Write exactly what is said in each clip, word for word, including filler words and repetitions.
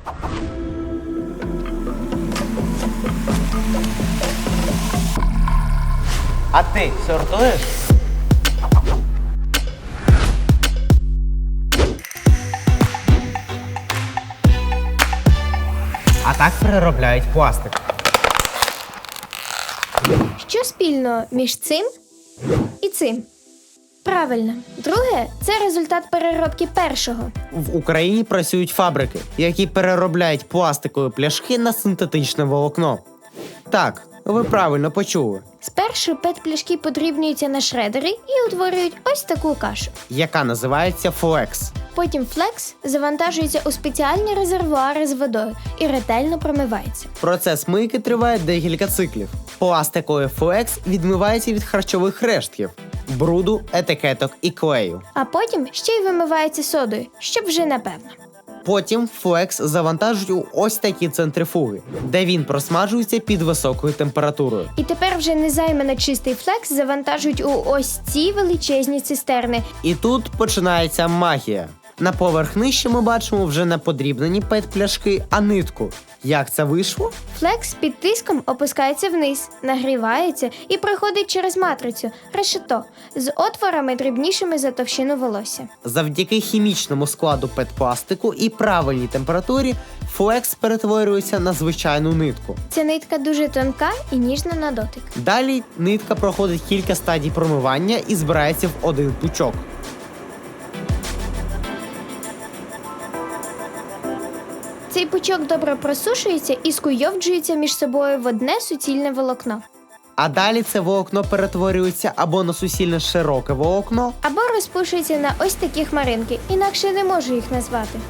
А ти сортуєш? А так переробляють пластик. Що спільно між цим і цим? Правильно. Друге – це результат переробки першого. В Україні працюють фабрики, які переробляють пластикові пляшки на синтетичне волокно. Так, ви правильно почули. Спершу пет-пляшки подрібнюються на шредери і утворюють ось таку кашу. Яка називається флекс. Потім флекс завантажується у спеціальні резервуари з водою і ретельно промивається. Процес мийки триває декілька циклів. Пластиковий флекс відмивається від харчових рештків, бруду, етикеток і клею. А потім ще й вимивається содою, щоб вже напевно. Потім флекс завантажують у ось такі центрифуги, де він просмажується під високою температурою. І тепер вже незаймано чистий флекс завантажують у ось ці величезні цистерни. І тут починається магія. На поверх нижче ми бачимо вже не подрібнені пет-пляшки, а нитку. Як це вийшло? Флекс під тиском опускається вниз, нагрівається і проходить через матрицю – решето з отворами дрібнішими за товщину волосся. Завдяки хімічному складу пет-пластику і правильній температурі флекс перетворюється на звичайну нитку. Ця нитка дуже тонка і ніжна на дотик. Далі нитка проходить кілька стадій промивання і збирається в один пучок. Цей пучок добре просушується і скуйовджується між собою в одне суцільне волокно. А далі це волокно перетворюється або на суцільне широке волокно, Або розпушується на ось такі хмаринки, інакше не можу їх назвати.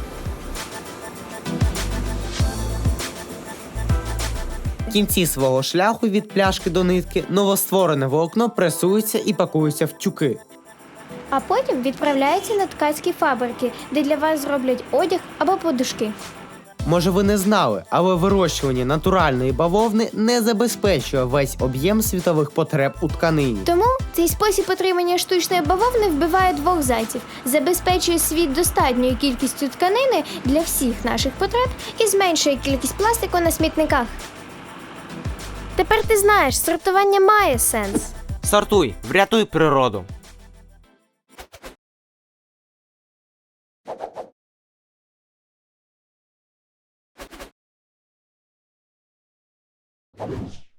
в кінці свого шляху від пляшки до нитки новостворене волокно пресується і пакується в тюки. А потім відправляється на ткацькі фабрики, де для вас зроблять одяг або подушки. Може ви не знали, але вирощування натуральної бавовни не забезпечує весь об'єм світових потреб у тканині. Тому цей спосіб отримання штучної бавовни вбиває двох зайців, забезпечує світ достатньою кількістю тканини для всіх наших потреб і зменшує кількість пластику на смітниках. Тепер ти знаєш, сортування має сенс. Сортуй, врятуй природу. You